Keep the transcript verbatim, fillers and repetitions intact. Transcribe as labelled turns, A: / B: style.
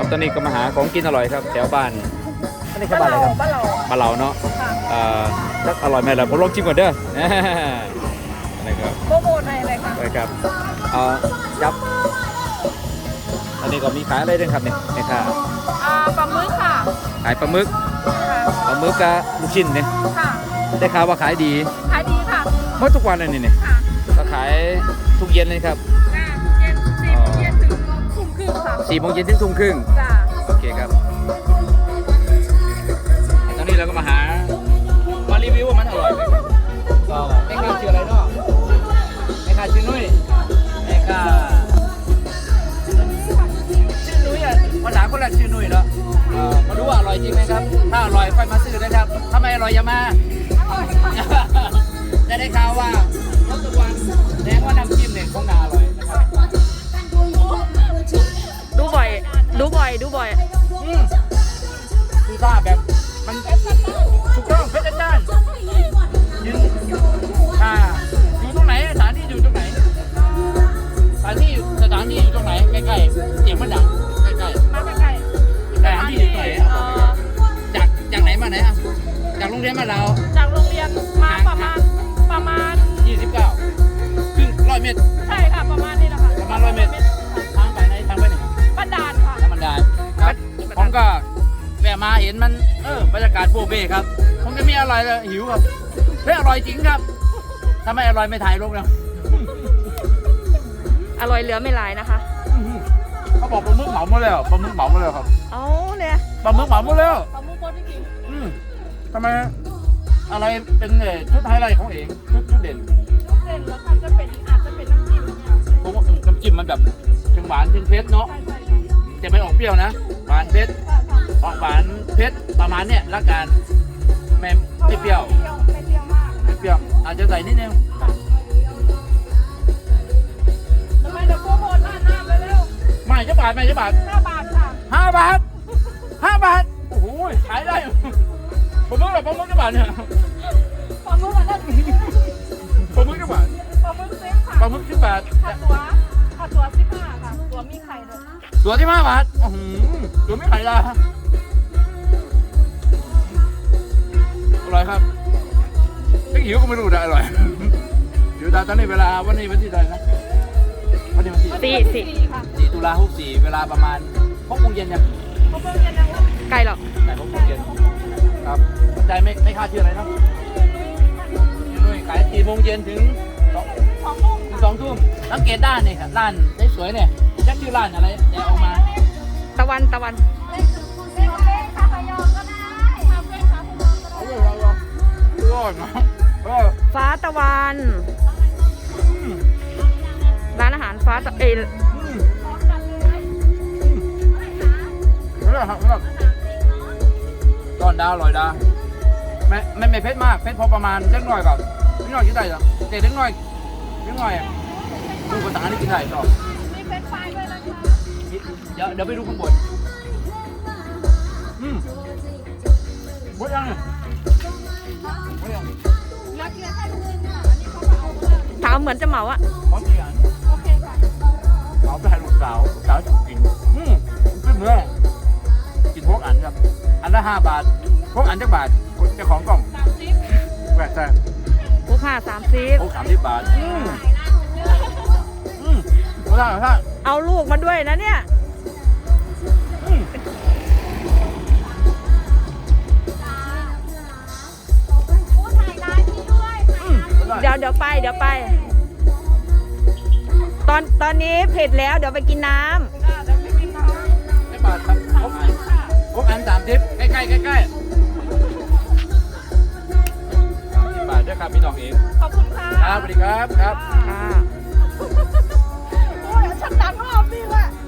A: ตอนนี้ก็มาหาของกินอร่อยครับแถวบ้านอันนี้คือบ้านอะไรครับ
B: บ้านเรา
A: บ้านเราเนาะเอ่อจักอร่อยไหมล่ะผมลองชิมก่อนเด้ออันนี้ครับ
B: โปรโมทให้เลยค่ะ
A: ไปครับเอ่อยับอันนี้ก็มีขายอะไรด้วยครับเนี่ยนี่ค่ะ
B: อ่าปลาหมึกค่ะ
A: ขายปลาหมึก
B: ค่ะ
A: ปลาหมึกกับลูกชิ้นเนี่ย
B: ค่ะ
A: ได้ข่าวว่าขายดี
B: ขายดีค่ะ
A: เมื่อทุกวันเลยนี่เนี่ย
B: ค่ะ
A: ก็ขายทุกเย็นเลยครับ
B: อ่าเย็นสี่โมงเย็นถึงทุ่มครึ่งค่ะ
A: สี่โมงเย็นถึงทุ่มครึ่ง
B: จ้า
A: โอเคครับตอนนี้เราก็มาหามารีวิวว่ามันอร่อยไหมก็แม่ค้าชื่ออะไรเนาะแม่ค้าชื่อนุ้ยแม่ค้าชื่อนุ้ยอ่ะภาษาคนแรกชื่อนุ้ยแล้วเอ่อมาดูว่าอร่อยจริงไหมครับถ้าอร่อยค่อยมาซื้อนะครับถ้าไม่อร่อยอย่ามา จะได้ข่าวว่าต้นตะวันแสดงว่าน้ำจิ้มเนี่ยคงน่าอร่อยนะครับ
B: ดูบ่อย ดูบ่อย ดูบ่อย
A: อืมคือถ้าแบบมันถูกต้องเพชรจ้านยืนอ่าอยู่ตรงไหนสถานที่อยู่ตรงไหนสถานที่สถานที่อยู่ตรงไหนใกล้ๆเสียงมันดังใกล้ๆ
B: มาใกล้ๆ
A: สถานที่อยู่ตรงไหนอ่ะบอกไปก่อนจากจากไหนมาไหนอ่ะจากโรงเรียนมาเรา
B: จากโรงเรียนมาประมาณประมาณ
A: ยี่สิบเก้าครึ่งร้อยเมตร
B: ใช่ค่ะประมาณนี้แหละค่ะ
A: ประมาณร้อยเมตรทางไปไหนทางไปไหน
B: บ้านดานค่ะ
A: ธรรมดาครับผมก็แวะมาเห็นมันเออบรรยากาศโปรเบ้ครับคงจะมีอะไรเลยหิวครับเฮ้ยอร่อยจริงครับถ้าไม่อร่อยไม่ถ่ายลงแล้ว
B: อร่อยเหลือไม่หลายนะคะ
A: เขาบอกปลาหมึกเหมาหมดแล้วปลาหมึกเหมาหมดแล้วครับ
B: เอาเนี่ย
A: ปลาหมึกเหมาหมดแล้ว
B: ปลาหมึกโคตรจริง
A: อืมทำไมอะไรเป็นเอ่อชุดไฮไลท์ของเองชุดชุดเด่น
B: เส้นแล้วค่ะจะเป็นอาจจะเป็นน้ำจิ้มเนี่ย
A: ผมว่าน้ำจิ้มมันแบบเชิงหวานเชิงเผ็ดเนาะ
B: ใช่ใช่ค่ะ
A: จะไม่ออกเปรี้ยวนะหวานเผ็ดออกหวานเผ็ดประมาณเนี้ยละกันไม่ไม่เปรี้ยว
B: ไม่เปรี้ยวมาก
A: ไม่เปรี้ยวอาจจะใส่นิดนึง
B: ทำไมเดี๋ยวโปรโมทหน้าหน้าไปเร็ว
A: ไม่จะบาทไม่จะบาท
B: ห้าบาทค่ะ
A: ห้าบาทห้าบาทโอ้โหขายได้ผมมึกแบบผมมึกจะบาทเนี่ย
B: ปลาหมึกอันนั้น
A: ผมมึกจะบาท
B: ปลาหมึกเซ็ตค่ะ
A: ปลาหมึกสิบบาท
B: ค่าตัวค่าตัวสิบห้าค่ะ ตัวมีไข่ด้วย
A: ตัวที่ห้าบาทโอ้โหตัวไม่ขายละอร่อยครับถ้าหิวก็ไม่รู้ได้อร่อยหิวตาตอนนี้เวลาวันนี้วันที่ใดนะวันนี้วันที่
B: สี่สี่ค่ะ
A: สี่ตุลาหกสี่เวลาประมาณหกโมงเย็นยัง
B: เขาเพิ่งจะยังไก่หรอก
A: ไหนหกโมงเย็นครับใจไม่ไม่คาดชื่ออะไรนะนุ่ยขายสี่โมงเย็นถึงสอง
B: สองทุ่ม
A: ถึงสองทุ่มสังเกตด้านนี่ครับร้านสวยๆเนี่ยจักชื่อร้านอะไรแดกออกมา
B: ตะวันตะวันเล่นเล่นเล่นคาพยองก็ได้คาเฟ่คาพยองก็ได้
A: เอาเลยเอาเลยรอดนะเออ
B: ฟ้าตะวัน
A: อืม
B: ร้านอาหารฟ้าตะเอย
A: อืมเรื่องครับเรื่องก้อนดาวลอยดาไม่ไม่ไม่เผ็ดมากเผ็ดพอประมาณเล็กน้อยแบบเล็กน้อยกินได้เหรอแต่เล็กน้อยเล็กน้อยดูภาษานี่กินได้ชอบ
B: มีเฟรนช์ฟรายด้วยนะคะ
A: เดี๋ยวเดี๋ยวไปดูข้างบนอืมหมดยังเนี่ยหมดยัง
B: นักเรียนแค่ทุกคนค่ะอันนี้เขาเหมาถามเหมือนจะเหมาอะ
A: พร้อมกี่อัน
B: โอเคค่ะ
A: เอาไปให้ลูกสาวลูกสาวจะกินอืมขึ้นเนื้อกินพวกอันครับอันละห้าบาทพวกอันจักบาทเจ้าของกล่อง
B: สามสิบ
A: แหวกแต่
B: ผู้ค่าสามสิบ
A: พวกสามสิบบาทอืมอืมไม่ได้ไม่ได้
B: เอาลูกมาด้วยนะเนี่ย
A: อืมอืมไม่ได้
B: เดี๋ยวเดี๋ยวไปเดี๋ยวไป ตอนตอนนี้เผ็ดแล้วเดี๋ยวไปกินน้ำ
A: ไม่บาทครับพวกอันพวกอันสามสิบใกล้ใกล้ใกล้ใกล้สามสิบบาทด้วยครับพี่น้องเอง
B: ขอบคุณค่ะ
A: ครับสวัสดีครับครับ
B: ค่ะโอ้ยฉันดังรอบนี่แหละ